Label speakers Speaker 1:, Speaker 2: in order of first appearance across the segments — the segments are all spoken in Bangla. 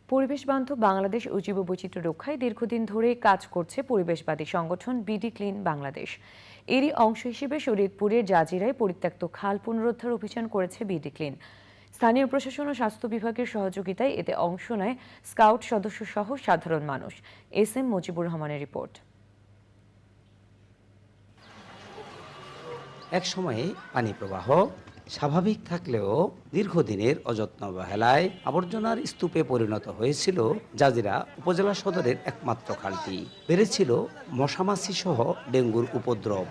Speaker 1: পরিবেশ বান্ধব বাংলাদেশ ও জীববৈচিত্র্য রক্ষায় দীর্ঘদিন ধরে কাজ করছে পরিবেশবাদী সংগঠন বিডি ক্লিন বাংলাদেশ। এরই অংশ হিসেবে শরীয়তপুরের জাজিরায় পরিত্যক্ত খাল পুনরুদ্ধার অভিযান করেছে বিডি ক্লিন। স্থানীয় প্রশাসন ও স্বাস্থ্য বিভাগের সহযোগিতায় এতে অংশ নেয় স্কাউট সদস্য সহ সাধারণ মানুষ। এস এম মুজিবুর রহমানের রিপোর্ট।
Speaker 2: এক সময়ে পানি প্রবাহ স্বাভাবিক থাকলেও দীর্ঘদিনের অযত্ন অবহেলায় আবর্জনার স্তূপে পরিণত হয়েছিল জাজিরা উপজেলা সদরের একমাত্র খালটি। বেড়েছিল মশামাছি সহ ডেঙ্গুর উপদ্রব।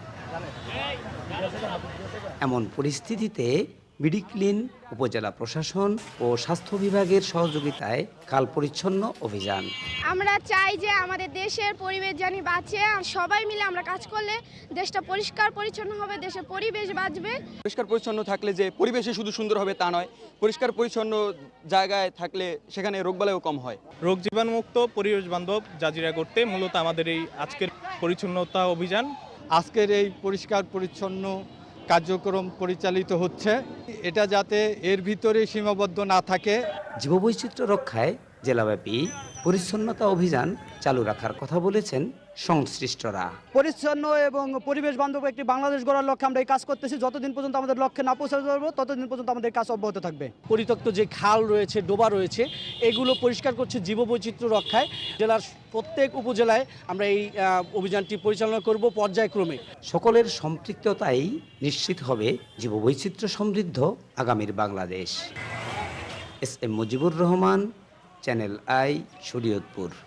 Speaker 2: এমন পরিস্থিতিতে বিডি ক্লিন উপজেলা প্রশাসন ও স্বাস্থ্য বিভাগের সহযোগিতায় খাল পরিচ্ছন্ন অভিযান।
Speaker 3: আমরা চাই যে আমাদের দেশের পরিবেশ জানি বাঁচে, সবাই মিলে আমরা কাজ করলে দেশটা পরিষ্কার পরিচ্ছন্ন হবে, দেশের পরিবেশ বাঁচবে।
Speaker 4: পরিষ্কার পরিচ্ছন্ন থাকলে যে পরিবেশে শুধু সুন্দর হবে তা নয়, পরিষ্কার পরিচ্ছন্ন জায়গায় থাকলে সেখানে রোগবালাইও কম হয়।
Speaker 5: রোগ জীবাণুমুক্ত পরিবেশ বান্ধব জাজিরা করতে মূলত আমাদের এই আজকের পরিচ্ছন্নতা অভিযান।
Speaker 6: আজকের এই পরিষ্কার পরিচ্ছন্ন কার্যক্রম পরিচালিত হচ্ছে, এটা যাতে এর ভিতরে সীমাবদ্ধ না থাকে।
Speaker 2: জীববৈচিত্র্য রক্ষায় জেলাব্যাপী পরিচ্ছন্নতা অভিযান চালু রাখার কথা বলেছেন সংশ্লিষ্টরা।
Speaker 7: পরিচ্ছন্ন এবং পরিবেশ বান্ধব একটি বাংলাদেশ গড়ার লক্ষ্যে আমরা এই কাজ করতেছি। যতদিন পর্যন্ত আমাদের লক্ষ্যে না পৌঁছাতে পারবো ততদিন পর্যন্ত আমাদের কাজ অব্যাহত থাকবে।
Speaker 8: পরিত্যক্ত যে খাল রয়েছে, ডোবা রয়েছে, এগুলো পরিষ্কার করছে জীববৈচিত্র্য রক্ষায়। জেলার প্রত্যেক উপজেলায় আমরা এই অভিযানটি পরিচালনা করব পর্যায়ক্রমে।
Speaker 2: সকলের সম্পৃক্ততাই নিশ্চিত হবে জীববৈচিত্র্য সমৃদ্ধ আগামীর Bangladesh. S M Mujibur Rahman, Channel I, Shariatpur.